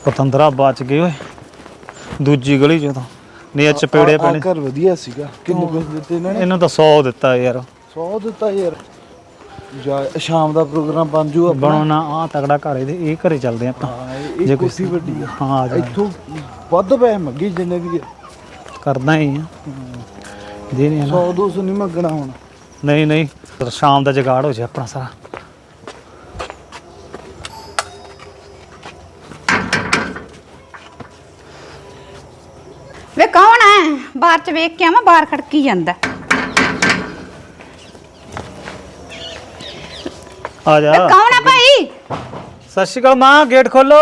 ਪਤੰਦਰਾ ਬਚ ਗਏ ਓਏ ਦੂਜੀ ਗਲੀ ਚੋਂ ਤਾਂ ਨਹੀਂ ਚਪੇੜੇ ਪੈਣੇ। ਘਰ ਵਧੀਆ ਸੀਗਾ। ਕਿੰਨੇ ਪੈਸੇ ਦਿੱਤੇ ਇਹਨਾਂ ਨੇ? ਇਹਨਾਂ ਤਾਂ 100 ਦਿੱਤਾ ਯਾਰ। 100 ਦਿੱਤਾ ਯਾਰ। ਜਾ ਸ਼ਾਮ ਦਾ ਪ੍ਰੋਗਰਾਮ ਬਣ ਜੂ ਆਪਣਾ। ਬਣਾਉਣਾ ਆ ਤਗੜਾ ਘਰ ਇਹਦੇ ਇਹ ਘਰੇ ਚੱਲਦੇ ਆਪਾਂ। ਜੇ ਕੁਰਸੀ ਵੱਡੀ ਆ ਹਾਂ ਆ ਜਾ ਇੱਥੋਂ ਵੱਧ ਪੈਸੇ ਮੰਗੀ ਜਿੰਨੇ ਵੀ ਕਰਦਾ ਹੀ ਆ ਦੇ ਨਹੀਂ 100 200 ਨਹੀਂ ਮੰਗਣਾ ਹੁਣ। ਨਹੀਂ ਨਹੀਂ ਸ਼ਾਮ ਦਾ ਜਗਾੜ ਹੋ ਜਾ ਆਪਣਾ ਸਾਰਾ। ਵੇ ਕੌਣ ਹੈ? ਬਾਹਰ ਚ ਵੇਖ ਕੇ ਆਵਾਂ, ਬਾਹਰ ਖੜਕੀ ਜਾਂਦਾ। ਆ ਜਾ। ਕੌਣ ਹੈ ਭਾਈ? ਸਤਿ ਸ਼੍ਰੀ ਅਕਾਲ ਮਾਂ, ਗੇਟ ਖੋਲੋ।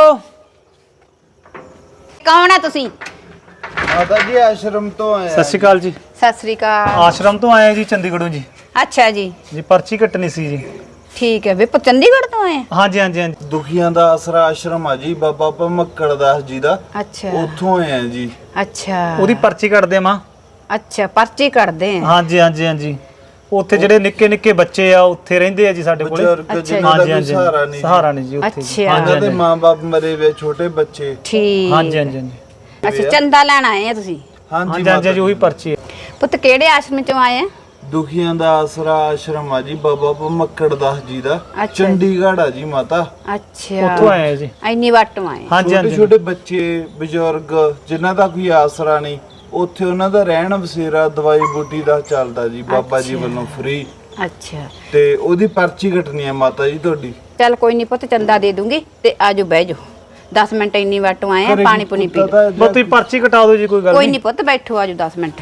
ਕੌਣ ਹੈ ਤੁਸੀਂ? ਮਾਤਾ ਜੀ ਆਸ਼ਰਮ ਤੋਂ ਆਏ। ਸਤਿ ਸ਼੍ਰੀ ਅਕਾਲ ਜੀ। ਸਤਿ ਸ੍ਰੀ ਅਕਾਲ। ਆਸ਼ਰਮ ਤੋਂ ਆਏ ਜੀ, ਚੰਡੀਗੜ੍ਹੋਂ ਜੀ। ਅੱਛਾ ਜੀ, ਜੀ ਪਰਚੀ ਕੱਟਣੀ ਸੀ ਜੀ। ਠੀਕ ਹੈ। ਵੇ ਚੰਡੀਗੜ੍ਹ ਤੋਂ ਆਏ? ਹਾਂਜੀ ਹਾਂਜੀ ਹਾਂਜੀ। ਦੁਖੀਆਂ ਦਾ ਆਸਰਾ ਆਸ਼ਰਮ ਆ ਜੀ, ਬਾਬਾ ਭਮੱਕੜ ਦਾਸ ਜੀ ਦਾ। ਅੱਛਾ ਉੱਥੋਂ ਆਏ ਆ ਜੀ। ਅੱਛਾ ਉਹਦੀ ਪਰਚੀ ਕੱਟਦੇ ਆ ਮਾਂ। ਅੱਛਾ, ਪਰਚੀ ਕੱਢਦੇ ਆ। ਹਾਂਜੀ ਹਾਂਜੀ ਹਾਂਜੀ। ਉੱਥੇ ਜਿਹੜੇ ਨਿੱਕੇ ਨਿੱਕੇ ਬੱਚੇ ਆ ਉੱਥੇ ਰਹਿੰਦੇ ਆ ਜੀ ਸਾਡੇ ਕੋਲੇ। ਬਜ਼ੁਰਗ ਜਿਨ੍ਹਾਂ ਦਾ ਕੋਈ ਸਹਾਰਾ ਨਹੀਂ। ਸਹਾਰਾ ਨਹੀਂ ਜੀ ਉੱਥੇ ਜੀ। ਅੱਛਾ। ਉਹਨਾਂ ਦੇ ਮਾਂ-ਬਾਪ ਮਰੇ ਵੇ, ਛੋਟੇ ਬੱਚੇ। ਠੀਕ। ਹਾਂਜੀ ਹਾਂਜੀ ਹਾਂਜੀ ਅੱਛਾ, ਚੰਦਾ ਲੈਣ ਆਏ ਆ ਤੁਸੀਂ? ਹਾਂਜੀ ਹਾਂਜੀ ਹਾਂਜੀ ਉਹੀ ਪਰਚੀ ਹੈ। ਪੁੱਤ ਕਿਹੜੇ ਆਸ਼ਰਮ ਚੋਂ ਆਏ ਆ? ਦੁਖੀਆਂ ਦਾ ਆਸਰਾ ਆਸ਼ਰਮ ਆ ਜੀ, ਬਾਬਾ ਭਮੱਕੜ ਦਾਸ ਜੀ ਦਾ। ਅੱਛਾ। ਚੰਡੀਗੜ੍ਹ ਆ ਜੀ ਮਾਤਾ। ਅੱਛਾ, ਉੱਥੋਂ ਆਏ ਆ ਜੀ। ਇੰਨੀ ਵਾਟੋਂ ਆਏ? ਹਾਂਜੀ ਛੋਟੇ ਹਾਂਜੀ ਛੋਟੇ ਬੱਚੇ, ਬਜ਼ੁਰਗ ਜਿਨ੍ਹਾਂ ਦਾ ਕੋਈ ਆਸਰਾ ਨਹੀਂ, ਉੱਥੇ ਉਹਨਾਂ ਦਾ ਰਹਿਣ ਬਸੇਰਾ, ਦਵਾਈ ਬੂਟੀ ਦਾ ਚੱਲਦਾ ਜੀ ਬਾਬਾ ਜੀ ਵੱਲੋਂ ਫ੍ਰੀ। ਅੱਛਾ, ਤੇ ਉਹਦੀ ਪਰਚੀ ਕੱਟਣੀ ਆ ਮਾਤਾ ਜੀ ਤੁਹਾਡੀ। ਚੱਲ ਕੋਈ ਨਹੀਂ ਪੁੱਤ, ਚੰਦਾ ਦੇ ਦੂੰਗੀ ਤੇ ਆਜੋ ਬਹਿ ਜਾਓ। 10 ਮਿੰਟ ਇੰਨੀ ਵਾਟੋਂ ਆਏ ਆ, ਪਾਣੀ ਪੁਣੀ ਪੀ ਲਓ। ਬਸ ਤੁਸੀਂ ਪਰਚੀ ਕਟਾ ਦਿਓ ਜੀ, ਕੋਈ ਗੱਲ ਕੋਈ ਨਹੀਂ। ਨਹੀਂ ਪੁੱਤ, ਬੈਠੋ, ਆਜੋ 10 ਮਿੰਟ।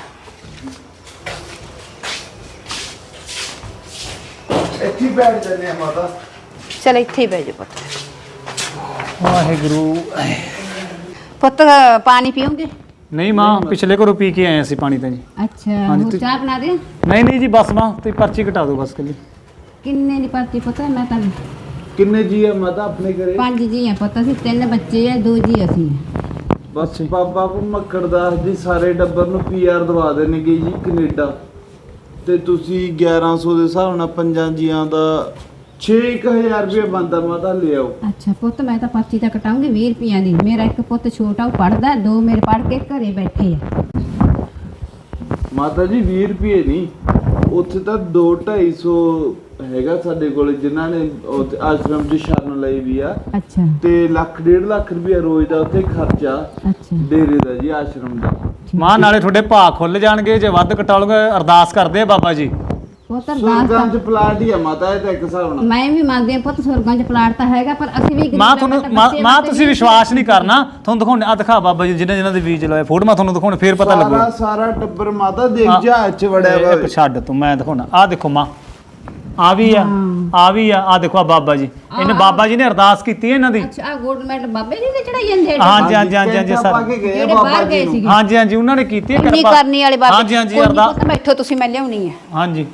ਇੱਥੇ ਹੀ ਬੈਠ ਜਾਂਦੇ ਆ ਮਾਤਾ। ਚਲ ਇੱਥੇ ਹੀ ਬਹਿ ਜਾਓ ਪੁੱਤ। ਵਾਹਿਗੁਰੂ। ਪੁੱਤ ਪਾਣੀ ਪੀਓਗੇ? ਨਹੀਂ ਮਾਂ, ਪਿਛਲੇ ਘਰੋਂ ਪੀ ਕੇ ਆਏ ਅਸੀਂ ਪਾਣੀ ਤਾਂ ਜੀ। ਅੱਛਾ, ਹਾਂਜੀ, ਹੋਰ ਚਾਹ ਬਣਾ ਦੇ? ਨਹੀਂ ਨਹੀਂ ਜੀ, ਬਸ ਮਾਂ ਤੁਸੀਂ ਪਰਚੀ ਕਟਾ ਦਿਓ ਬਸ ਕੱਲੀ। ਕਿੰਨੇ ਦੀ ਪਰਚੀ ਪਤਾ? ਮੈਂ ਤਾਂ ਕਿੰਨੇ ਜੀ ਆ ਮਾਤਾ ਆਪਣੇ ਘਰੇ? 5 ਜੀ ਆ ਪੁੱਤ, ਅਸੀਂ 3 ਬੱਚੇ ਆ, 2 ਜੀ ਅਸੀਂ ਆ। ਬਸ ਬਾਬਾ ਭਮੱਕੜ ਦਾਸ ਜੀ ਸਾਰੇ ਟੱਬਰ ਨੂੰ ਪੀਆਰ ਦਵਾ ਦੇਣਗੇ ਜੀ ਕੈਨੇਡਾ। ਤੇ ਤੁਸੀਂ 1100 ਦੇ ਹਿਸਾਬ ਨਾਲ 5 ਜੀਆਂ ਦਾ 6000 ਰੁਪਏ ਬਣਦਾ ਮਾਤਾ, ਲੈ ਆਓ। ਅੱਛਾ ਪੁੱਤ, ਮੈਂ ਤਾਂ ਪਰਚੀ ਤਾਂ ਕਟਾਉਂਗੀ 20 ਰੁਪਈਆਂ ਦੀ। ਮੇਰਾ ਇੱਕ ਪੁੱਤ ਛੋਟਾ, ਉਹ ਪੜਦਾ, 2 ਮੇਰੇ ਪੜ ਕੇ ਘਰੇ ਬੈਠੇ ਆ। ਮਾਤਾ ਜੀ 20 ਰੁਪਏ ਨਹੀਂ, ਉੱਥੇ ਤਾਂ 2-250 ਹੈਗਾ ਸਾਡੇ ਕੋਲ, ਜਿਨ੍ਹਾਂ ਨੇ ਆਸ਼ਰਮ 'ਚ ਸ਼ਰਨ ਲਈ ਵੀ ਆ। ਅੱਛਾ। ਤੇ 1.5 ਲੱਖ ਰੁਪਏ ਰੋਜ਼ ਦਾ ਉੱਥੇ ਖਰਚਾ ਅੱਛਾ ਡੇਰੇ ਦਾ ਜੀ, ਆਸ਼ਰਮ ਦਾ। ਮਾਂ ਨਾਲੇ ਤੁਹਾਡੇ ਭਾਅ ਖੁੱਲ ਜਾਣਗੇ, ਜੇ ਵੱਧ ਕਟਾ ਲਓਗੇ ਅਰਦਾਸ ਕਰਦੇ ਆ ਬਾਬਾ ਜੀ। ਪੁੱਤ ਸੁਰਗਾਂ 'ਚ ਪਲਾਟ ਹੀ ਆ ਮਾਤਾ, ਇਹ ਤਾਂ ਇੱਕ ਹਿਸਾਬ ਨਾਲ। ਮੈਂ ਵੀ ਮੰਨਦੀ ਆ ਪੁੱਤ, ਸੁਰਗਾਂ 'ਚ ਪਲਾਟ ਤਾਂ ਹੈਗਾ, ਪਰ ਅਸੀਂ ਵੀ ਮਾਂ ਤੁਹਾਨੂੰ ਮਾਂ ਤੁਸੀਂ ਵਿਸ਼ਵਾਸ ਨਹੀਂ ਕਰਨਾ। ਤੁਹਾਨੂੰ ਦਿਖਾਉਣੇ ਆ, ਦਿਖਾ ਬਾਬਾ ਜੀ ਜਿਨ੍ਹਾਂ ਦੇ ਬੀਜ ਲਾਏ ਫੋਟੋ ਮੈਂ ਤੁਹਾਨੂੰ ਦਿਖਾਉਣੇ, ਫੇਰ ਪਤਾ ਲੱਗੂ। ਸਾਰਾ ਟੱਬਰ ਮਾਤਾ ਦੇਖ ਜਹਾਜ਼ 'ਚ ਵੜਿਆ ਵਾ। ਇਹ ਛੱਡ ਤੂੰ, ਮੈਂ ਦਿਖਾਉਣਾ। ਆ ਦੇਖੋ ਮਾਂ, ਆ ਵੀ ਆ, ਆ ਵੀ ਆ, ਆ ਦੇਖੋ ਆ ਬਾਬਾ ਜੀ। ਇਹਨੇ ਬਾਬਾ ਜੀ ਨੇ ਅਰਦਾਸ ਕੀਤੀ ਹੈ ਇਹਨਾਂ ਦੀ। ਅੱਛਾ, ਆ ਗੋਲਡ ਮੈਡਲ ਬਾਬੇ ਜੀ ਦੇ ਚੜਾਈ ਜਾਂਦੇ? ਹਾਂਜੀ ਹਾਂਜੀ ਹਾਂਜੀ ਹਾਂਜੀ ਪਾ ਸਰ, ਕੇ ਗਏ ਜਿਹੜੇ ਬਾਬਾ ਬਾਹਰ ਜੀ ਗਏ ਨੂੰ। ਸੀਗੇ। ਹਾਂਜੀ ਹਾਂਜੀ ਉਹਨਾਂ ਨੇ ਕੀਤੀ ਹੈ ਇੰਨੀ ਕਰਨੀ ਵਾਲੇ ਬਾਬੇ। ਹਾਂਜੀ ਹਾਂਜੀ ਕੋਈ ਨੀ ਅਰਦਾਸ। ਪੁੱਤ, ਬੈਠੋ ਤੁਸੀਂ, ਮੈਂ ਲਿਆਉਣੀ ਹੈ। ਹਾਂਜੀ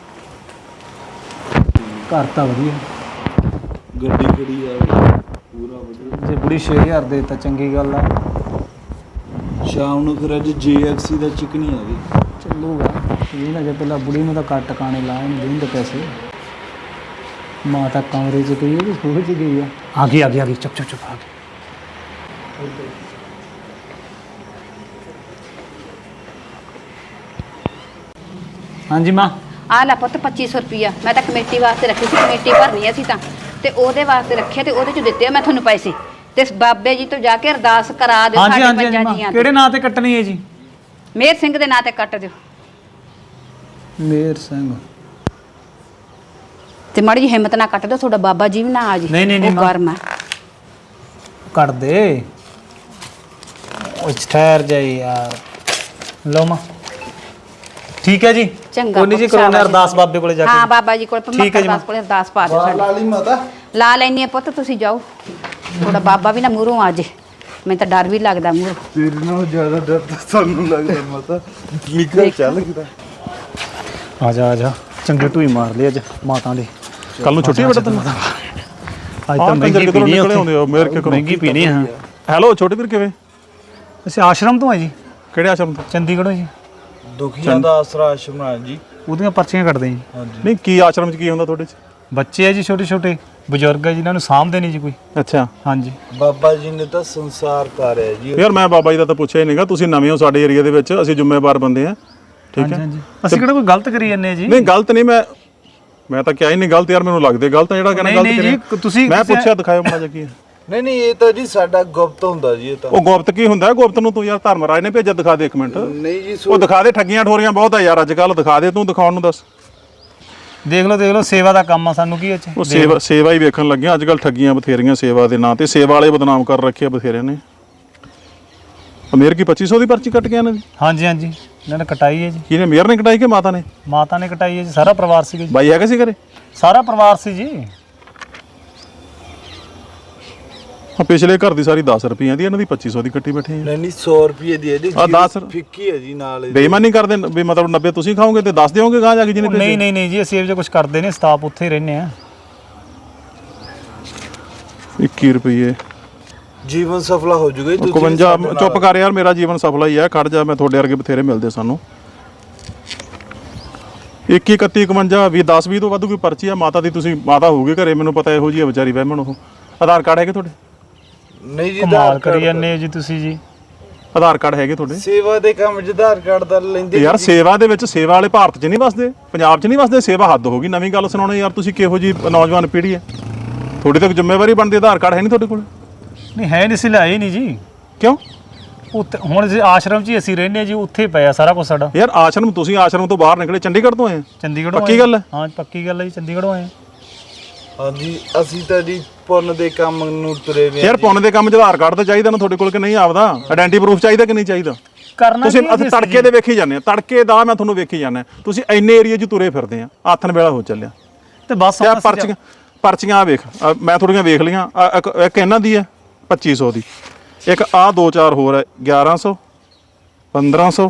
ਘਰ ਤਾਂ ਵਧੀਆ, ਗੱਡੀ ਖੜੀ ਆ ਪੂਰਾ ਵਧੀਆ। ਜੇ ਬੁੜੀ 6000 ਦੇ ਤਾਂ ਚੰਗੀ ਗੱਲ ਆ। ਸ਼ਾਮ ਨੂੰ ਫਿਰ ਅੱਜ JFC ਦਾ ਚਿਕਨੀ ਆ ਗਈ। ਚੱਲੂਗਾ ਇਹ ਨਾ, ਜੇ ਪਹਿਲਾਂ ਬੁੜੀ ਨੂੰ ਤਾਂ ਕੱਟ ਟਿਕਾਣੇ ਲਾਏ ਨਹੀਂ ਦੇਣ ਦੇ ਪੈਸੇ। ਮਾਂ ਤਾਂ ਕਮਰੇ 'ਚ ਗਈ ਹੈ, ਸੋਹੇ 'ਚ ਗਈ ਆ। ਆ ਗਈ ਆ ਗਈ ਆ ਗਈ, ਚੁੱਪ ਚੁੱਪ ਚੁੱਪ ਆ ਗਈ। ਹਾਂਜੀ ਮਾਂ। ਆ ਲੈ ਪੁੱਤ 2500 ਰੁਪਿਆ, ਮੈਂ ਤਾਂ ਕਮੇਟੀ ਵਾਸਤੇ ਰੱਖੀ ਸੀ, ਕਮੇਟੀ ਭਰਨੀ ਅਸੀਂ ਤਾਂ, ਤੇ ਉਹਦੇ ਵਾਸਤੇ ਰੱਖਿਆ, ਤੇ ਉਹਦੇ 'ਚ ਦਿੱਤੇ ਆ ਮੈਂ ਤੁਹਾਨੂੰ ਪੈਸੇ। ਤੇ ਬਾਬੇ ਜੀ ਤੋਂ ਜਾ ਕੇ ਅਰਦਾਸ ਕਰਾ ਦਿਓ ਹਾਂਜੀ ਸਾਡੇ ਹਾਂਜੀ ਪੰਜਾਂ ਮਾਂ, ਜੀਆਂ ਕਿਹੜੇ ਨਾਂ ਤੇ ਕੱਟਣੀ ਹੈ ਜੀ? ਮੇਹਰ ਸਿੰਘ ਦੇ ਨਾਂ ਤੇ ਕੱਟ ਦਿਓ। ਮੇਰ ਸਿੰਘ। ਤੇ ਮਾੜੀ ਜੀ ਹਿੰਮਤ ਨਾਲ ਕੱਟ ਦਿਓ, ਤੁਹਾਡਾ ਬਾਬਾ ਜੀ ਵੀ ਨਾ ਆ ਜੀ। ਨਹੀਂ, ਨਹੀਂ, ਨਹੀਂ, ਉਹ ਗਰਮ ਹੈ। ਕੱਟ ਦੇ, ਉਹ ਠਹਿਰ ਜਾਈ ਯਾਰ। ਲਓ ਮਾਂ, ਠੀਕ ਹੈ ਜੀ। ਚੰਗਾ ਕੋਈ ਨਹੀਂ ਜੀ, ਪੁੱਤ, ਕਰਾਉਣੇ ਸ਼ਾਬਾਸ਼। ਅਰਦਾਸ ਬਾਬੇ ਕੋਲੇ ਜਾ ਕੇ। ਹਾਂ, ਬਾਬਾ ਜੀ ਕੋਲ, ਠੀਕ ਹੈ ਜੀ ਪਰਮਾਤਮਾ ਕੋਲ ਅਰਦਾਸ ਪਾ ਦਿਓ ਸਾਡੀ। ਲਾਲੀ ਮਾਤਾ ਲਾ ਲੈਣੀ ਆ ਪੁੱਤ, ਤੁਸੀਂ ਜਾਓ। ਤੁਹਾਡਾ ਬਾਬਾ ਵੀ ਨਾ ਮੂਹਰੋਂ ਆ ਜੇ, ਮੈਨੂੰ ਤਾਂ ਡਰ ਵੀ ਲੱਗਦਾ ਮੂਹਰੋਂ। ਤੇਰੇ ਨਾਲੋਂ ਜ਼ਿਆਦਾ ਡਰ ਤਾਂ ਸਾਨੂੰ ਲੱਗਦਾ ਮਾਤਾ। ਨਿਕਲ ਚੱਲ ਕਿਦਾ। ਆ ਜਾ ਆ ਜਾ, ਚੰਗੇ ਢੂਈ ਮਾਰ ਲਈ ਅੱਜ ਮਾਤਾ ਦੇ। ਕੱਲ ਨੂੰ ਛੁੱਟੀ ਬੇਟਾ ਤੈਨੂੰ? ਅੱਜ ਤਾਂ ਮਹਿੰਗੀ ਪੀਣੀ ਹੁੰਦੇ ਮੇਰੇ ਕੇ ਮਹਿੰਗੀ ਪੀਣੀ ਹਾਂ। ਹੈਲੋ ਛੋਟੇ ਵੀਰ, ਕਿਵੇਂ? ਅਸੀਂ ਆਸ਼ਰਮ ਤੋਂ ਆ ਜੀ, ਕਿਹੜੇ ਆਸ਼ਰਮ ਤੋਂ? ਚੰਡੀਗੜ੍ਹੋਂ ਜੀ। ਦੁਖੀਆਂ ਦਾ ਆਸਰਾ ਆਸ਼ਰਮ ਆ ਜੀ। ਉਹਦੀਆਂ ਪਰਚੀਆਂ ਕੱਟਦੇ ਜੀ। ਹਾਂਜੀ। ਨਹੀਂ ਕੀ ਆਸ਼ਰਮ 'ਚ ਕੀ ਹੁੰਦਾ ਤੁਹਾਡੇ 'ਚ? ਬੱਚੇ ਆ ਜੀ ਛੋਟੇ ਛੋਟੇ, ਬਜ਼ੁਰਗ ਹੈ ਜਿਨ੍ਹਾਂ ਨੂੰ ਸਾਂਭਦੇ ਨਹੀਂ ਜੀ ਕੋਈ। ਅੱਛਾ ਹਾਂਜੀ ਬਾਬਾ ਜੀ ਨੇ ਤਾਂ ਸੰਸਾਰ ਤਾਰਿਆ ਜੀ। ਯਾਰ ਮੈਂ ਬਾਬਾ ਜੀ ਦਾ ਤਾਂ ਪੁੱਛਿਆ ਹੀ ਨਹੀਂਗਾ, ਤੁਸੀਂ ਨਵੇਂ ਹੋ ਸਾਡੇ ਏਰੀਆ ਦੇ ਵਿੱਚ, ਅਸੀਂ ਜ਼ਿੰਮੇਵਾਰ ਬੰਦੇ ਆ। ਠੀਕ ਹੈ, ਅਸੀਂ ਕਿਹੜਾ ਕੋਈ ਗਲਤ ਕਰੀ ਜਾਂਦੇ ਜੀ? ਨਹੀਂ ਗਲਤ ਨਹੀਂ, ਮੈਂ ਤਾਂ ਕਿਹਾ ਹੀ ਨਹੀਂ ਗਲਤ ਯਾਰ, ਮੈਨੂੰ ਲੱਗਦੇ ਗਲਤ ਜਿਹੜਾ ਕਹਿੰਦਾ ਗਲਤ ਕਰਿਆ। ਤੁਸੀਂ ਮੈਂ ਪੁੱਛਿਆ ਦਿਖਾਇਓ ਮਾੜਾ ਜਿਹਾ ਕੀ ਹੈ। ਨਹੀਂ ਇਹ ਤਾਂ ਜੀ ਸਾਡਾ ਗੁਪਤ ਹੁੰਦਾ ਜੀ। ਇਹ ਤਾਂ ਉਹ ਗੁਪਤ ਕੀ ਹੁੰਦਾ? ਗੁਪਤ ਨੂੰ ਤੂੰ ਯਾਰ ਧਰਮਰਾਜ ਨੇ ਭੇਜਿਆ, ਦਿਖਾ ਦੇ ਇੱਕ ਮਿੰਟ। ਨਹੀਂ ਜੀ ਉਹ ਦਿਖਾ ਦੇ, ਠੱਗੀਆਂ ਠੋਰੀਆਂ ਬਹੁਤ ਆ ਯਾਰ ਅੱਜ ਕੱਲ, ਦਿਖਾ ਦੇ ਤੂੰ, ਦਿਖਾਉਣ ਨੂੰ ਦੱਸ। ਦੇਖ ਲਓ ਸੇਵਾ ਦਾ ਕੰਮ ਆ, ਸਾਨੂੰ ਕੀ ਇਹ 'ਚ? ਉਹ ਸੇਵਾ ਹੀ ਵੇਖਣ ਲੱਗਿਆ ਅੱਜ ਕੱਲ, ਠੱਗੀਆਂ ਬਥੇਰੀਆਂ ਸੇਵਾ ਦੇ ਨਾਂ ਤੇ, ਸੇਵਾ ਵਾਲੇ ਬਦਨਾਮ ਕਰ ਰੱਖੇ ਬਥੇਰਿਆਂ ਨੇ। ਮੇਰ ਕੀ 2500 ਦੀ ਪਰਚੀ ਕੱਟ ਗਿਆ ਇਹਨਾਂ ਦੀ? ਹਾਂਜੀ ਇਹਨਾਂ ਨੇ ਕਟਾਈ ਹੈ ਜੀ। ਕਿਹਨੇ, ਮੇਰ ਨੇ ਕਟਾਈ ਕਿ ਮਾਤਾ ਨੇ? ਮਾਤਾ ਨੇ ਕਟਾਈ ਹੈ ਜੀ, ਸਾਰਾ ਪਰਿਵਾਰ ਸੀ ਜੀ। ਬਾਈ ਹੈਗਾ ਸੀ ਘਰੇ? ਸਾਰਾ ਪਰਿਵਾਰ ਸੀ ਜੀ। ਪਿਛਲੇ ਘਰ ਦੀ ਸਾਰੀ 10 ਰੁਪਈਆਂ ਦੀ, ਇਹਨਾਂ ਦੀ 2500 ਦੀ ਕੱਟੀ ਬੈਠੇ ਆ। ਨਹੀਂ 100 ਰੁਪਏ ਦੀ ਹੈ ਜੀ। 10 ਫਿੱਕੀ ਹੈ ਜੀ ਨਾਲ। ਬੇਈਮਾਨੀ ਕਰਦੇ ਵੀ, ਮਤਲਬ 90 ਤੁਸੀਂ ਖਾਓਗੇ ਤੇ 10 ਦਿਓਗੇ ਗਾਂ ਜਾ ਕੇ ਜਿਹਨੇ ਭੇਜੇ? ਨਹੀਂ ਜੀ, ਅਸੀਂ ਇਹ ਜੋ ਕੁਝ ਕਰਦੇ ਨੇ, ਸਟਾਫ ਉੱਥੇ ਹੀ ਰਹਿੰਦੇ ਆ। 21 ਰੁਪਏ ਜੀਵਨ ਸਫਲਾ ਹੋ ਜੂਗਾ ਜੀ। 51 ਚੁੱਪ ਕਰ ਯਾਰ, ਮੇਰਾ ਜੀਵਨ ਸਫਲਾ ਹੀ ਹੈ, ਖੜ ਜਾ, ਮੈਂ ਤੁਹਾਡੇ ਵਰਗੇ ਬਥੇਰੇ ਮਿਲਦੇ ਸਾਨੂੰ। 21 31 51 20 10 20 ਤੋਂ ਵੱਧ ਕੋਈ ਪਰਚੀ ਆ ਮਾਤਾ ਦੀ। ਤੁਸੀਂ ਮਾਤਾ ਹੋਊਗੀ ਘਰੇ, ਮੈਨੂੰ ਪਤਾ ਇਹੋ ਜਿਹੀ ਹੈ ਵਿਚਾਰੀ ਵਹਿਮਣ। ਉਹ ਆਧਾਰ ਕਾਰਡ ਹੈਗੇ ਤੁਹਾਡੇ? ਨਹੀਂ ਜੀ, ਕਮਾਲ ਕਰੀ ਜਾਂਦੇ ਜੀ ਤੁਸੀਂ ਜੀ। ਆਧਾਰ ਕਾਰਡ ਹੈਗੇ ਤੁਹਾਡੇ? ਸੇਵਾ ਦੇ ਕੰਮ 'ਚ ਆਧਾਰ ਕਾਰਡ ਦਾ ਲੈਂਦੇ ਯਾਰ ਸੇਵਾ ਦੇ ਵਿੱਚ, ਸੇਵਾ ਵਾਲੇ ਭਾਰਤ 'ਚ ਨਹੀਂ ਵਸਦੇ, ਪੰਜਾਬ 'ਚ ਨਹੀਂ ਵਸਦੇ। ਸੇਵਾ ਹੱਦ ਹੋ ਗਈ, ਨਵੀਂ ਗੱਲ ਸੁਣਾਉਣੀ ਯਾਰ। ਤੁਸੀਂ ਕਿਹੋ ਜੀ ਨੌਜਵਾਨ ਪੀੜ੍ਹੀ ਹੈ, ਤੁਹਾਡੀ ਤਾਂ ਜ਼ਿੰਮੇਵਾਰੀ ਬਣਦੀ। ਆਧਾਰ ਕਾਰਡ ਹੈ ਨਹੀਂ ਤੁਹਾਡੇ ਕੋਲ? ਨਹੀਂ ਹੈ ਨਹੀਂ ਸੀ, ਲਿਆਏ ਨਹੀਂ ਜੀ। ਕਿਉਂ? ਉੱਥੇ ਹੁਣ ਜੀ ਆਸ਼ਰਮ 'ਚ ਹੀ ਅਸੀਂ ਰਹਿੰਦੇ ਜੀ, ਉੱਥੇ ਪਿਆ ਸਾਰਾ ਕੁਝ ਸਾਡਾ। ਯਾਰ ਆਸ਼ਰਮ, ਤੁਸੀਂ ਆਸ਼ਰਮ ਤੋਂ ਬਾਹਰ ਨਿਕਲੇ, ਚੰਡੀਗੜ੍ਹ ਤੋਂ ਆਏ? ਚੰਡੀਗੜ੍ਹੋਂ ਪੱਕੀ ਗੱਲ ਹੈ? ਹਾਂ ਪੱਕੀ ਗੱਲ ਹੈ ਜੀ, ਚੰਡੀਗੜ੍ਹੋਂ ਆਏ। ਹਾਂਜੀ ਅਸੀਂ ਤਾਂ ਜੀ ਪੁੰਨ ਦੇ ਕੰਮ ਨੂੰ ਤੁਰੇ ਵੇ। ਯਾਰ ਪੁੰਨ ਦੇ ਕੰਮ 'ਚ ਆਧਾਰ ਕਾਰਡ ਤਾਂ ਚਾਹੀਦਾ ਨਾ ਤੁਹਾਡੇ ਕੋਲ, ਕਿ ਨਹੀਂ? ਆਪਦਾ ਆਇਡੈਂਟੀ ਪ੍ਰੂਫ ਚਾਹੀਦਾ ਕਿ ਨਹੀਂ ਚਾਹੀਦਾ? ਕਰਨਾ ਤੁਸੀਂ ਤੜਕੇ ਦੇ ਵੇਖੀ ਜਾਂਦੇ ਆ, ਤੜਕੇ ਦਾ ਮੈਂ ਤੁਹਾਨੂੰ ਵੇਖੀ ਜਾਂਦਾ। ਤੁਸੀਂ ਇੰਨੇ ਏਰੀਆ 'ਚ ਤੁਰੇ ਫਿਰਦੇ ਆ, ਆਥਣ ਵੇਲਾ ਹੋ ਚੱਲਿਆ ਤੇ ਬਸ। ਯਾਰ ਪਰਚੀਆਂ ਆ ਵੇਖ, ਮੈਂ ਥੋੜੀਆਂ ਵੇਖ ਲਈਆਂ। ਇੱਕ ਇਹਨਾਂ ਦੀ ਹੈ 2500 ਦੀ, ਇੱਕ ਆਹ 2-4 ਹੋਰ ਹੈ 1100 1500।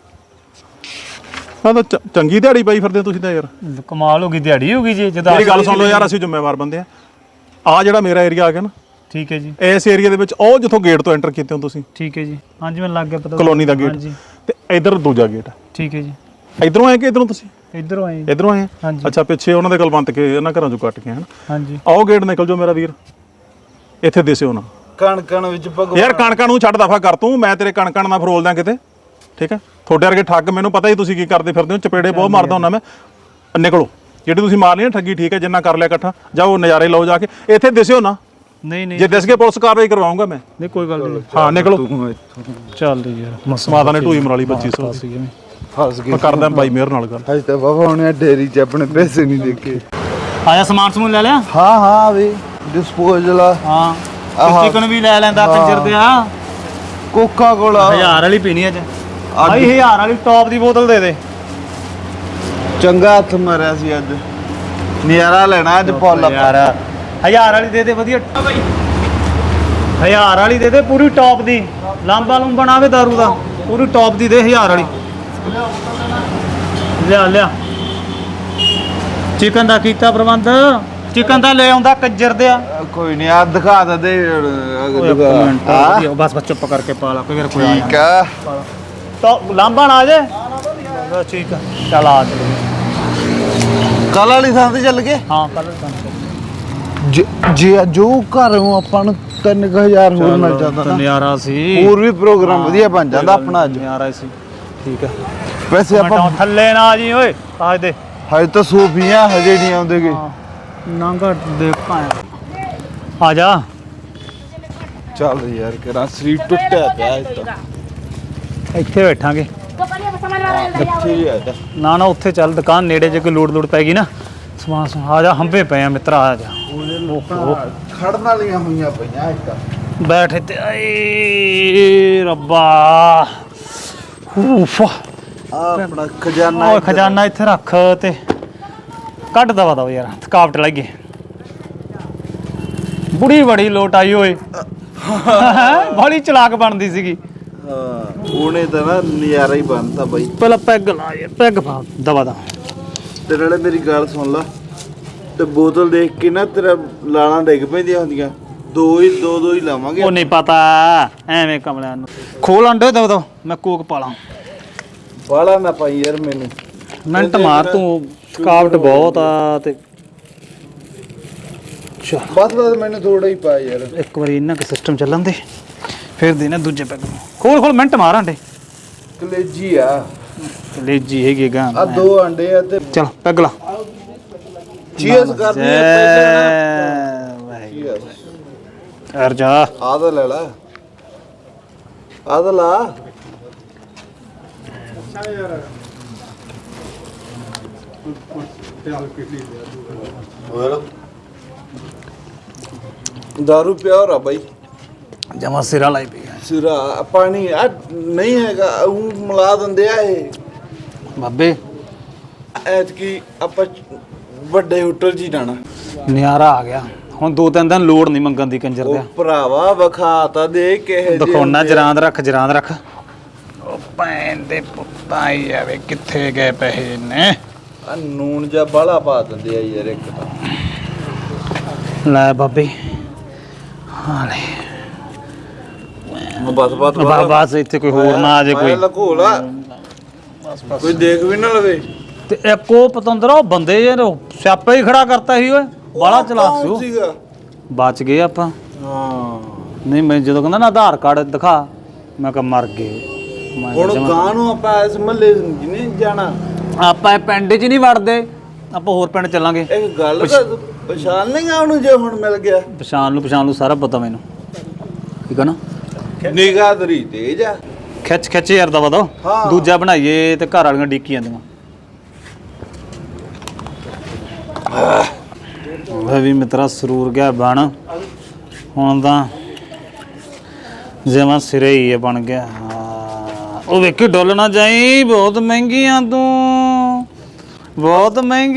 ਆ ਤਾਂ ਚੰਗੀ ਦਿਹਾੜੀ ਪਾਈ ਫਿਰਦੇ ਤੁਸੀਂ ਤਾਂ ਯਾਰ। ਕਮਾਲ ਹੋ ਗਈ, ਦਿਹਾੜੀ ਹੋ ਗਈ ਜੀ। ਜਦੋਂ ਮੇਰੀ ਗੱਲ ਸੁਣ ਲਓ ਯਾਰ, ਅਸੀਂ ਜ਼ਿੰਮੇਵਾਰ ਬੰਦੇ ਆ। ਆ ਜਿਹੜਾ ਮੇਰਾ ਏਰੀਆ ਆ ਗਿਆ ਨਾ, ਠੀਕ ਹੈ ਜੀ। ਇਸ ਏਰੀਆ ਦੇ ਵਿੱਚ ਉਹ ਜਿੱਥੋਂ ਗੇਟ ਤੋਂ ਐਂਟਰ ਕੀਤੇ ਹੋ ਤੁਸੀਂ, ਠੀਕ ਹੈ ਜੀ। ਹਾਂਜੀ ਮੈਨੂੰ ਲੱਗ ਗਿਆ ਪਤਾ, ਕਲੋਨੀ ਦਾ ਗੇਟ, ਤੇ ਇਧਰ ਦੂਜਾ ਗੇਟ। ਠੀਕ ਹੈ ਜੀ। ਇਧਰੋਂ ਆਏ ਕਿ ਇਧਰੋਂ? ਤੁਸੀਂ ਇੱਧਰੋਂ ਆਏ। ਇਧਰੋਂ ਆਏ? ਹਾਂਜੀ। ਅੱਛਾ, ਪਿੱਛੇ ਉਹਨਾਂ ਦੇ ਕਲਵੰਤ ਕੇ ਇਹਨਾਂ ਘਰਾਂ ਚੋਂ ਕੱਟ ਕੇ ਹਨ। ਹਾਂਜੀ। ਆਓ ਗੇਟ ਨਿਕਲ ਜਾਓ ਮੇਰਾ ਵੀਰ, ਇੱਥੇ ਦਿਸਿਓ ਨਾ। ਕਣ ਵਿੱਚ ਭਗਵਾਨ। ਯਾਰ ਕਣਕਾਂ ਨੂੰ ਛੱਡ ਦਫਾ ਕਰ ਤੂੰ, ਮੈਂ ਤੇਰੇ ਕਣਕਾਂ ਨਾਲ ਫਰੋਲਦਾ ਕਿਤੇ। ਠੀਕ ਹੈ, ਤੁਹਾਡੇ ਵਰਗੇ ਠੱਗ ਮੈਨੂੰ ਪਤਾ ਹੀ ਤੁਸੀਂ ਕੀ ਕਰਦੇ ਫਿਰਦੇ ਹੋ। ਚਪੇੜੇ ਬਹੁਤ ਮਾਰਦਾ ਹੁੰਦਾ ਮੈਂ। ਨਿਕਲੋ, ਜਿਹੜੀ ਤੁਸੀਂ ਮਾਰ ਲਈ ਨਾ ਠੱਗੀ, ਠੀਕ ਹੈ, ਜਿੰਨਾ ਕਰ ਲਿਆ ਇਕੱਠਾ, ਜਾਓ ਨਜ਼ਾਰੇ ਲਓ ਜਾ ਕੇ। ਇੱਥੇ ਦਿਸਿਓ ਨਾ, ਨਹੀਂ ਜੇ ਦਿਸ ਕੇ ਪੁਲਿਸ ਕਾਰਵਾਈ ਕਰਵਾਉਂਗਾ ਮੈਂ। ਨਹੀਂ ਕੋਈ ਗੱਲ ਨਹੀਂ। ਹਾਂ ਨਿਕਲੋ। ਚੱਲ ਯਾਰ, ਮਾਤਾ ਨੇ ਢੂਈ ਮਰਾਲੀ 2500 ਦੀ। ਫਸ ਗਏ। ਮੈਂ ਕਰਦਾ ਬਾਈ ਮੇਰ ਨਾਲ ਗੱਲ। ਹਜੇ ਤਾਂ ਬਾਬਾ ਹੁਣੇ ਡੇਰੀ 'ਚ ਆਪਣੇ ਪੈਸੇ ਨਹੀਂ ਦੇਖੇ। ਆਇਆ ਸਮਾਨ ਸਮੂਨ ਲੈ ਲਿਆ? ਹਾਂ ਵੀ ਡਿਸਪੋਜ਼ਲ ਆ। ਹਾਂ ਚਿਕਨ ਵੀ ਲੈ ਲੈਂਦਾ ਕੰਜਰ ਤੇ ਆ। ਕੋਕਾ ਕੋਲਾ 1000 ਵਾਲੀ ਪੀਣੀ ਅੱਜ ਭਾਈ, 1000 ਵਾਲੀ ਟੌਪ ਦੀ ਬੋਤਲ ਦੇ ਦੇ। ਚੰਗਾ ਹੱਥ ਮਾਰਿਆ ਸੀ ਅੱਜ, ਨਜ਼ਾਰਾ ਲੈਣਾ ਅੱਜ ਫੁੱਲ। ਯਾਰ 1000 ਵਾਲੀ ਦੇ ਦੇ, ਵਧੀਆ ਭਾਈ। 1000 ਵਾਲੀ ਦੇ ਦੇ, ਪੂਰੀ ਟੌਪ ਦੀ। ਲਾਂਬਾ ਲੂੰਬਾ ਨਾ ਆਵੇ ਦਾਰੂ ਦਾ, ਪੂਰੀ ਟੌਪ ਦੀ ਦੇ 1000 ਵਾਲੀ। ਲਿਆ ਚਿਕਨ ਦਾ ਕੀਤਾ ਪ੍ਰਬੰਧ, ਚਿਕਨ ਦਾ ਲੈ ਆਉਂਦਾ ਕੰਜਰ ਦੇ ਆ। ਕੋਈ ਨਹੀਂ ਆ ਦਿਖਾ ਦੇ ਬਸ ਚੁੱਪ ਕਰਕੇ ਪਾ ਲਾ, ਕੋਈ ਠੀਕ ਆ। ਤਾਂ ਲਾਂਬਾ ਨਾ ਆ ਜੇ। ਠੀਕ ਆ, ਚੱਲ ਆ ਚਲੋ। ਕੱਲ ਵਾਲੀ ਥਾਂ ਤੇ ਚੱਲ ਗਏ। ਹਾਂ ਕੱਲ ਜੇ ਜੋ ਘਰੋਂ ਆਪਾਂ ਨੂੰ 3000 ਹੋਰ ਮਿਲ ਜਾਂਦਾ ਨਾ, ਨਜ਼ਾਰਾ ਸੀ। ਹੋਰ ਵੀ ਪ੍ਰੋਗਰਾਮ ਵਧੀਆ ਬਣ ਜਾਂਦਾ ਆਪਣਾ ਅੱਜ। ਨਜ਼ਾਰਾ ਸੀ। ਠੀਕ ਆ, ਵੈਸੇ ਆਪਾਂ ਥੱਲੇ ਨਾ ਜੀ ਓਏ, ਆ ਦੇ ਹਜੇ ਤਾਂ ਸੂਫੀਆਂ ਹਜੇ ਨਹੀਂ ਆਉਂਦੇਗੇ। ਨਾਂਗਾ ਦੇਖਾਂ ਆ ਜਾ। ਚੱਲ ਯਾਰ ਕਿਹੜਾ ਸਰੀਰ ਟੁੱਟਿਆ ਪਿਆ ਅੱਜ ਤਾਂ। ਇੱਥੇ ਬੈਠਾਂਗੇ। ਇੱਥੇ ਹੀ ਆ ਜਾ। ਨਾ ਉੱਥੇ ਚੱਲ, ਦੁਕਾਨ ਨੇੜੇ ਜੇ ਕੋਈ ਲੋੜ ਪੈ ਗਈ ਨਾ ਸਮਾਨ ਆ ਜਾ। ਹੰਬੇ ਪਏ ਆ ਮਿੱਤਰਾ, ਆ ਜਾ। ਖੜਨ ਵਾਲੀਆਂ ਹੋਈਆਂ ਪਈਆਂ ਅੱਜ ਤਾਂ। ਬੈਠ ਇੱਥੇ। ਏ ਰੱਬਾ, ਉਫ। ਆਪਣਾ ਖਜ਼ਾਨਾ ਓਏ ਖਜ਼ਾਨਾ ਇੱਥੇ ਰੱਖ ਤੇ ਕੱਢ ਦਵਾ ਦਵਾ ਯਾਰ, ਥਕਾਵਟ ਲੱਗ ਗਈ। ਬੁੜੀ ਬੜੀ ਲੋਟ ਆਈ ਓਏ, ਬੜੀ ਚਲਾਕ ਬਣਦੀ ਸੀਗੀ। ਹਾਂ ਉਹਨੇ ਤਾਂ ਨਾ ਨਜ਼ਾਰਾ ਹੀ ਬਣਤਾ ਬਾਈ। ਪਹਿਲਾਂ ਪੈਗ ਲਾ ਯਾਰ, ਪੈਗ ਪਾ ਦਵਾ ਦਾ। ਤੇ ਨਾਲੇ ਮੇਰੀ ਗੱਲ ਸੁਣ ਲਾ, ਤੇ ਬੋਤਲ ਦੇਖ ਕੇ ਨਾ ਤੇਰਾ ਲਾਲਾਂ ਡਿੱਗ ਪੈਂਦੀਆਂ ਹੁੰਦੀਆਂ। ਦੋ ਹੀ ਲਾਵਾਂਗੇ। ਉਹ ਨਹੀਂ ਪਤਾ ਐਵੇਂ ਕਮਲਿਆਂ ਨੂੰ। ਖੋਲ ਅੰਡੇ ਦਵਾ ਮੈਂ ਕੋਕ ਪਾ ਲਾਂ। ਬਾਲਾ ਨਾ ਪਾਈ ਯਾਰ ਮੈਨੂੰ। ਮਿੰਟ ਮਾਰ ਤੂੰ, ਥਕਾਵਟ ਬਹੁਤ ਆ। ਤੇ ਚਲ ਬਸ ਮੈਨੂੰ ਥੋੜਾ ਹੀ ਪਾ ਯਾਰ। ਇੱਕ ਵਾਰੀ ਇਹਨਾਂ ਦਾ ਸਿਸਟਮ ਚੱਲਣ ਦੇ ਫਿਰ ਦੇ ਨਾ ਦੂਜੇ ਪੈਗ ਨੂੰ। ਖੋਲ ਮਿੰਟ ਮਾਰ ਆਂਡੇ ਕਲੇਜੀ ਆ ਲੇਜੀ ਹੈਗੀ ਗਾਂ ਆ 2 ਅੰਡੇ ਆ ਤੇ ਚਲ ਪੈਗ ਲਾ ਚੀਜ਼ ਕਰਨੀ ਆ ਪਹਿਲਾਂ ਯਾਰ ਜਾ ਆ ਤਾਂ ਲੈ ਲਾ ਆ ਤਾਂ ਲਾ दारू ਪਿਆ ਰਾ ਬਾਈ ਜਮਾ ਸਿਰਾ ਲਾਈ ਪਈ ਸਿਰਾ ਪਾਣੀ ਆ ਨਹੀਂ ਹੈਗਾ ਉਹ ਮਿਲਾ ਦਿੰਦੇ ਆ ਇਹ ਬਾਬੇ ਐਤਕੀ ਆਪਾਂ ਵੱਡੇ ਹੋਟਲ 'ਚ ਹੀ ਜਾਣਾ ਨਿਆਰਾ ਆ ਗਿਆ ਹੁਣ 2-3 ਦਿਨ ਲੋੜ ਨਹੀਂ ਮੰਗਣ ਦੀ ਕੰਜਰ ਉਹ ਦਿਆ ਭਰਾਵਾ ਵਿਖਾ ਤਾਂ ਦੇ ਕਿਹੇ ਦਿਖਾਉਣਾ ਜਰਾਂਦ ਰੱਖ ਉਹ ਭੈਣ ਦੇ ਪੁੱਤਾਂ ਹੀ ਆਵੇ ਕਿੱਥੇ ਗਏ ਪੈਸੇ ਨੇ ਆ ਨੂਨ ਜਾਂ ਬਾਲਾ ਪਾ ਦਿੰਦੇ ਆ ਯਾਰ ਇੱਕ ਤਾਂ ਲੈ ਬਾਬੇ ਹਾਂ ਲੈ ਬਸ ਇੱਥੇ ਕੋਈ ਹੋਰ ਨਾ ਆ ਜੇ ਕੋਈ ਲਕੋਲਾ ਕੋਈ ਦੇਖ ਵੀ ਨਾ ਲਵੇ ਤੇ ਇੱਕ ਉਹ ਪਤੰਦਰ ਉਹ ਬੰਦੇ ਯਾਰ ਸਿਆਪਾ ਹੀ ਖੜਾ ਕਰਤਾ ਸੀ ਓਏ ਬਾਲਾ ਚਲਾਕ ਸੀ ਉਹ ਸੀਗਾ ਬਚ ਗਏ ਆਪਾਂ ਹਾਂ ਨਹੀਂ ਮੈਂ ਜਦੋਂ ਕਹਿੰਦਾ ਨਾ ਆਧਾਰ ਕਾਰਡ ਦਿਖਾ ਮੈਂ ਕਿਹਾ ਮਰ ਗਏ ਮੈਂ ਕਿਹਾ ਹੁਣ ਜਮਾਂ- ਗਾਂ ਨੂੰ ਆਪਾਂ ਇਸ ਮਹੱਲੇ ਨਹੀਂ ਜਾਣਾ ਆਪਾਂ ਇਹ ਪਿੰਡ 'ਚ ਨਹੀਂ ਵੜਦੇ ਆਪਾਂ ਹੋਰ ਪਿੰਡ ਚੱਲਾਂਗੇ ਇੱਕ ਗੱਲ ਕਰ ਪਛਾਣ ਨਹੀਂ ਗਾ ਉਹਨੂੰ ਜੇ ਹੁਣ ਮਿਲ ਗਿਆ ਪਛਾਣ ਨੂੰ ਸਾਰਾ ਪਤਾ ਮੈਨੂੰ ਠੀਕ ਹੈ ਨਾ ਨਿਗਾਹ ਤੇਰੀ ਤੇਜ ਆ ਖਿੱਚ ਯਾਰ ਦਵਾ ਦੋ ਹਾਂ। ਦੂਜਾ ਬਣਾਈਏ ਤੇ ਘਰ ਵਾਲੀਆਂ ਡੀਕੀ ਜਾਂਦੀਆਂ ਉਹ ਵੀ ਮਿੱਤਰਾ ਸਰੂਰ ਗਿਆ ਬਣ ਹੁਣ ਤਾਂ ਜਿਵੇਂ ਸਿਰੇ ਹੀ ਬਣ ਗਿਆ ਉਹ ਵੇਖੀ ਡੁੱਲ ਨਾ ਜਾਈ ਬਹੁਤ ਮਹਿੰਗੀਆਂ ਤੂੰ ਬਹੁਤ ਮਹਿੰਗੀ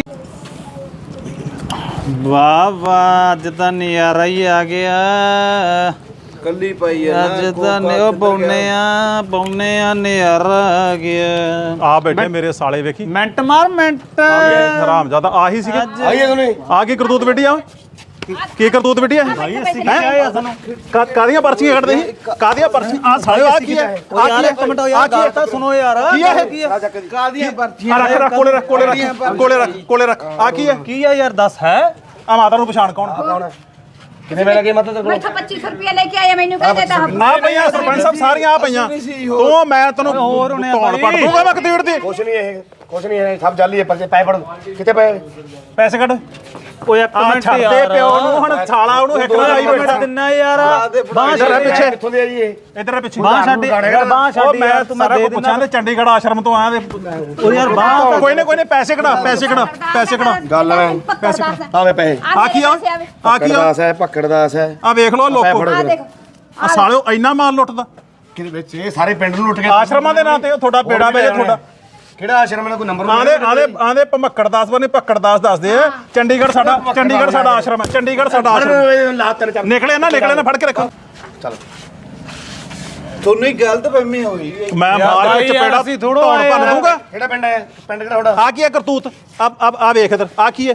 ਵਾਹ ਅੱਜ ਤਾਂ ਨਜ਼ਾਰਾ ਹੀ ਆ ਗਿਆ ਕੱਲੀ ਪਾਈ ਆ ਅੱਜ ਤਾਂ ਨਿਓ ਪਾਉਨੇ ਆ ਨਜ਼ਾਰਾ ਆ ਗਿਆ ਆ ਬੈਠੇ ਮੇਰੇ ਸਾਲੇ ਵੇਖੀ ਮਿੰਟ ਮਾਰ ਮਿੰਟ ਹਰਾਮ ਜਿਆਦਾ ਆਹੀ ਸੀਗੇ ਆਈਏ ਤੁਨੇ ਆ ਕੀ ਕਰਤੂਤ ਬੇਟੀ ਆ ਕੀ ਕਰਤੂਤ ਬੇਟੀ ਆ ਕਾਦੀਆਂ ਪਰਚੀਆਂ ਕੱਢਦੇ ਸੀ ਕਾਦੀਆਂ ਪਰਚੀ ਆ ਸਾਲੇ ਆ ਕੀ ਹੈ ਯਾਰ ਇੱਕ ਮਿੰਟ ਯਾਰ ਗੱਲ ਤਾਂ ਸੁਣੋ ਯਾਰ ਕੀ ਹੈ ਕਾਦੀਆਂ ਪਰਚੀਆਂ ਆ ਰੱਖ ਕੋਲੇ ਰੱਖ ਆ ਕੀ ਹੈ ਕੀ ਆ ਯਾਰ ਦੱਸ ਹੈ ਆ ਮਾਤਾ ਨੂੰ ਪਛਾਣ ਕੌਣ ਕਿੰਨੇ ਵੇਲੇ ਗਏ ਮਤਲਬ ਮੈਂ ਤਾਂ 2500 ਰੁਪਏ ਲੈ ਕੇ ਆਇਆ ਮੈਨੂੰ ਕਹਿ ਦੇਤਾ ਆ ਪਈਆਂ ਸਰਪੰਚ ਸਾਹਿਬ ਸਾਰੀਆਂ ਆ ਪਈਆਂ ਤੂੰ ਮੈਂ ਤੈਨੂੰ ਹੋਰ ਹੋਣੇ ਆ ਧੌਣ ਪੜ ਦੂੰਗਾ ਮੈਂ ਕਤੀੜ ਦੀ ਕੁਛ ਨਹੀਂ ਇਹ ਸਭ ਜਾਲੀ ਹੈ ਪਰਚੇ ਪੈ ਪੜ ਕਿਤੇ ਪਏ ਪੈਸੇ ਕੱਢ ਓਏ ਇੱਕ ਆ ਮਿੰਟ ਛੱਡ ਦੇ ਯਾਰ ਪਿਓ ਨੂੰ ਹੁਣ ਸਾਲਾ ਉਹਨੂੰ ਹਿੱਕ ਨਾਲ ਆਈ ਬੈਠਾ ਦਿੰਨਾ ਯਾਰ ਬਾਹ ਇੱਧਰ ਆ ਪਿੱਛੇ ਕਿੱਥੋਂ ਦੇ ਆ ਜੀ ਇਹ ਇੱਧਰ ਆ ਪਿੱਛੇ ਬਾਹ ਛੱਡ ਯਾਰ ਬਾਹ ਉਹ ਛੱਡ ਮੈਂ ਯਾਰ ਤੂੰ ਮੈਂ ਸਾਰਾ ਦੇ ਕੁਝ ਪੁੱਛਾਂ ਤੇ ਚੰਡੀਗੜ੍ਹ ਆਸ਼ਰਮ ਤੋਂ ਆਇਆ ਤੇ ਉਹ ਯਾਰ ਬਾਹ ਕੋਈ ਨਾ ਪੈਸੇ ਕਢਾ ਗੱਲ ਹੈ ਆਵੇ ਪੈਸੇ ਆ ਕੀ ਆ ਆ ਕੀ ਆ ਦਾਸ ਹੈ ਪੱਕੜ ਦਾਸ ਹੈ ਆ ਵੇਖ ਲਓ ਲੋਕੋ ਆ ਦੇਖ ਆ ਸਾਲਿਓ ਇੰਨਾ ਮਾਲ ਲੁੱਟਦਾ ਕਿਹਦੇ ਵਿੱਚ ਇਹ ਸਾਰੇ ਪਿੰਡ ਨੂੰ ਲੁੱਟ ਕੇ ਆਸ਼ਰਮਾਂ ਦੇ ਨਾਂ ਤੇ ਉਹ ਤੁਹਾਡਾ ਬੇੜਾ ਵੇ ਤੁਹਾਡਾ ਕਿਹੜਾ ਆਸ਼ਰਮ ਦਾ ਕੋਈ ਨੰਬਰ ਆਂਦੇ ਭਮੱਕੜ ਦਾਸ ਬਣੇ ਭੱਕੜ ਦਾਸ ਦੱਸਦੇ ਆ ਚੰਡੀਗੜ੍ਹ ਸਾਡਾ ਆਸ਼ਰਮ ਹੈ ਚੰਡੀਗੜ੍ਹ ਸਾਡਾ ਆਸ਼ਰਮ ਲਾ ਤਿੰਨ ਚਾਰ ਨਿਕਲੇ ਨਾ ਫੜ ਕੇ ਰੱਖੋ ਚੱਲ ਤੁਹਾਨੂੰ ਹੀ ਗਲਤ ਫਹਿਮੀ ਹੋ ਗਈ ਮੈਂ ਮਾਰ ਕੇ ਚਪੇੜਾ ਅਸੀਂ ਥੋੜ੍ਹਾ ਧੌਣ ਭੰਨ ਦੂੰਗਾ ਕਿਹੜਾ ਪਿੰਡ ਹੈ ਪਿੰਡ ਕਿਹੜਾ ਤੁਹਾਡਾ ਆ ਕੀ ਹੈ ਕਰਤੂਤ ਆ ਵੇਖ ਇਧਰ ਆ ਕੀ ਹੈ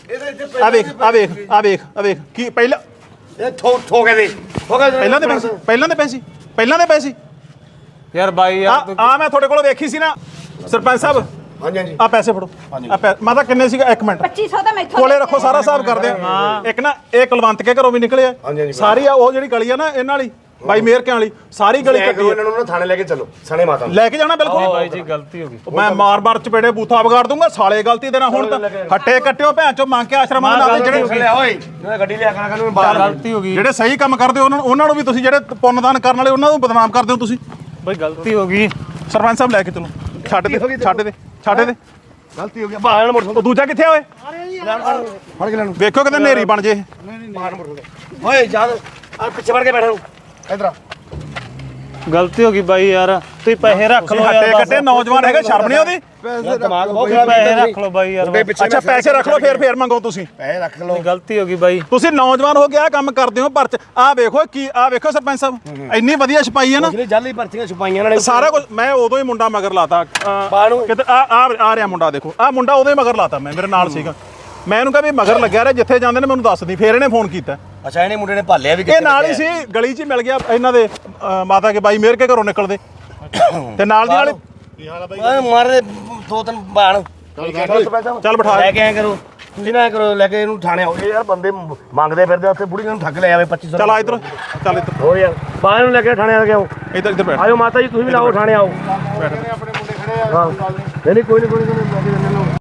ਆ ਵੇਖ ਕੀ ਪਹਿਲਾਂ ਇਹ ਠੋਕੇ ਦੇ ਪਹਿਲਾਂ ਦੇ ਪੈਸੇ ਯਾਰ ਬਾਈ ਯਾਰ ਆ ਮੈਂ ਤੁਹਾਡੇ ਕੋਲ ਵੇਖੀ ਸੀ ਨਾ ਸਰਪੰਚ ਸਾਹਿਬ ਹਾਂਜੀ ਆ ਪੈਸੇ ਫੜੋ ਮਾਤਾ ਕਿੰਨੇ ਸੀਗਾ 1 ਮਿੰਟ 2500 ਤਾਂ ਮੈਥੋਂ ਕੋਲੇ ਰੱਖੋ ਸਾਰਾ ਹਿਸਾਬ ਕਰਦੇ ਆ ਇੱਕ ਨਾ ਇਹ ਕੁਲਵੰਤ ਕੇ ਘਰੋਂ ਵੀ ਨਿਕਲੇ ਆ ਸਾਰੀ ਆ ਉਹ ਜਿਹੜੀ ਗਲੀ ਆ ਨਾ ਇਹਨਾਂ ਵਾਲੀ ਬਾਈ ਮੇਰ ਕਿਆਂ ਵਾਲੀ ਸਾਰੀ ਗਲੀ ਕੱਟੀ ਇਹਨਾਂ ਨੂੰ ਥਾਣੇ ਲੈ ਕੇ ਚੱਲੋ ਸਣੇ ਮਾਤਾ ਨੂੰ ਲੈ ਕੇ ਜਾਣਾ ਬਿਲਕੁਲ ਬਾਈ ਜੀ ਗਲਤੀ ਹੋ ਗਈ ਮੈਂ ਮਾਰ ਚਪੇੜੇ ਬੂਥਾ ਵਿਗਾੜ ਦੂੰਗਾ ਸਾਲੇ ਗਲਤੀ ਦੇ ਨਾਲ ਹੁਣ ਤਾਂ ਹੱਟੇ ਕੱਟਿਓ ਭੈਣ ਚੋ ਮੰਗ ਕੇ ਆਸ਼ਰਮਾਂ ਦੇ ਨਾਲ ਜਿਹੜੇ ਲਿਆ ਓਏ ਇਹਨਾਂ ਗੱਡੀ ਲਿਆ ਕਰਾਂ ਨੂੰ ਬਾਹਰ ਗਲਤੀ ਹੋ ਗਈ ਜਿਹੜੇ ਸਹੀ ਕੰਮ ਕਰਦੇ ਉਹਨਾਂ ਨੂੰ ਵੀ ਤੁਸੀਂ ਜਿਹੜੇ ਪੁੰਨਦਾਨ ਕਰਨ ਵਾਲੇ ਉਹਨਾਂ ਨੂੰ ਬਦਨਾਮ ਕਰਦੇ ਹੋ ਤੁਸੀਂ ਬਾਈ ਗਲਤੀ ਹੋ ਗਈ ਸਰਪੰਚ ਸਾਹਿਬ ਲੈ ਕੇ ਚਲੋ ਛੱਡ ਦੇ ਗਲਤੀ ਹੋ ਗਈ ਬਾਹਰ ਮੋਟਰ ਉਹ ਦੂਜਾ ਕਿੱਥੇ ਆ ਓਏ ਫੜ ਕੇ ਲੈਣ ਵੇਖੋ ਕਿਤੇ ਨੇਰੀ ਬਣ ਜੇ ਬਾਹਰ ਮੋਟਰ ਓਏ ਜਾ ਆ ਪਿੱਛੇ ਵੜ ਕੇ ਬੈਠਾ ਨੂੰ ਇਧਰ ਗਲਤੀ ਹੋ ਗਈ ਬਾਈ ਯਾਰ ਤੁਸੀਂ ਪੈਸੇ ਰੱਖ ਲਓ ਹੱਟੇ ਕੱਟੇ ਨੌਜਵਾਨ ਹੈਗੇ ਸ਼ਰਮ ਨਹੀਂ ਆਉਂਦੀ ਦਿਮਾਗ ਬਹੁਤ ਪੈਸੇ ਰੱਖ ਲਓ ਬਾਈ ਯਾਰ ਅੱਛਾ ਪੈਸੇ ਰੱਖ ਲਓ ਫੇਰ ਮੰਗੋ ਤੁਸੀਂ ਪੈਸੇ ਰੱਖ ਲਓ ਗਲਤੀ ਹੋ ਗਈ ਬਾਈ ਤੁਸੀਂ ਨੌਜਵਾਨ ਹੋ ਕੇ ਆ ਕੰਮ ਕਰਦੇ ਹੋ ਪਰਚ ਆ ਵੇਖੋ ਸਰਪੰਚ ਸਾਹਿਬ ਇੰਨੀ ਵਧੀਆ ਛਪਾਈ ਹੈ ਨਾ ਜਿਹੜੇ ਜਾਲੀ ਪਰਚੀਆਂ ਛੁਪਾਈਆਂ ਇਹਨਾਂ ਨੇ ਸਾਰਾ ਕੁਝ ਮੈਂ ਉਦੋਂ ਹੀ ਮੁੰਡਾ ਮਗਰ ਲਾਤਾ ਕਿਤੇ ਆ ਰਿਹਾ ਮੁੰਡਾ ਦੇਖੋ ਆ ਮੁੰਡਾ ਉਦੋਂ ਹੀ ਮਗਰ ਲਾਤਾ ਮੈਂ ਮੇਰੇ ਨਾਲ ਸੀਗਾ ਮੈਂ ਇਹਨੂੰ ਕਿਹਾ ਵੀ ਮਗਰ ਲੱਗਿਆ ਰਿਹਾ ਜਿੱਥੇ ਜਾਂਦੇ ਨੇ ਮੈਨੂੰ ਦੱਸ ਦੀ ਫੇਰ ਇਹਨੇ ਫੋਨ ਕੀਤਾ ਅੱਛਾ ਇਹਨੇ ਮੁੰਡੇ ਨੇ ਭਾਲਿਆ ਵੀ ਇਹ ਨਾਲ ਹੀ ਸੀ ਗਲੀ 'ਚ ਹੀ ਮਿਲ ਗਿਆ ਇਹਨਾਂ ਦੇ ਮਾਤਾ ਕੇ ਬਾਈ ਮੇਰ ਕੇ ਘਰੋਂ ਨਿਕਲਦੇ ਤੇ ਨਾਲ ਦੀ ਨਾਲ ਓਏ ਮਾਰੇ ਦੋ ਤਿੰਨ ਬਾਣ ਚੱਲ ਬਿਠਾ ਲੈ ਕੇ ਆਇਆ ਕਰੋ ਤੁਸੀਂ ਨਾ ਇਹ ਕਰੋ ਲੈ ਕੇ ਇਹਨੂੰ ਥਾਣੇ ਆਓ ਇਹ ਯਾਰ ਬੰਦੇ ਮੰਗਦੇ ਫਿਰਦੇ ਉੱਥੇ ਬੁੜੀ ਨੂੰ ਠੱਗ ਲੈ ਆਵੇ 2500 ਚੱਲ ਆ ਇੱਧਰ ਚੱਲ ਇੱਧਰ ਹੋਰ ਯਾਰ ਬਾਹਰ ਨੂੰ ਲੈ ਕੇ ਥਾਣੇ ਆ ਕੇ ਆਓ ਇੱਧਰ ਬੈਠ ਆਇਓ ਮਾਤਾ ਜੀ ਤੁਸੀਂ ਵੀ ਲਾਓ ਥਾਣੇ ਆਓ ਆਪਣੇ ਮੁੰਡੇ ਖੜੇ ਆ ਹਾਂ ਨਹੀਂ ਕੋਈ ਨਹੀਂ ਲੈ ਕੇ ਜਾਂਦੇ ਨੇ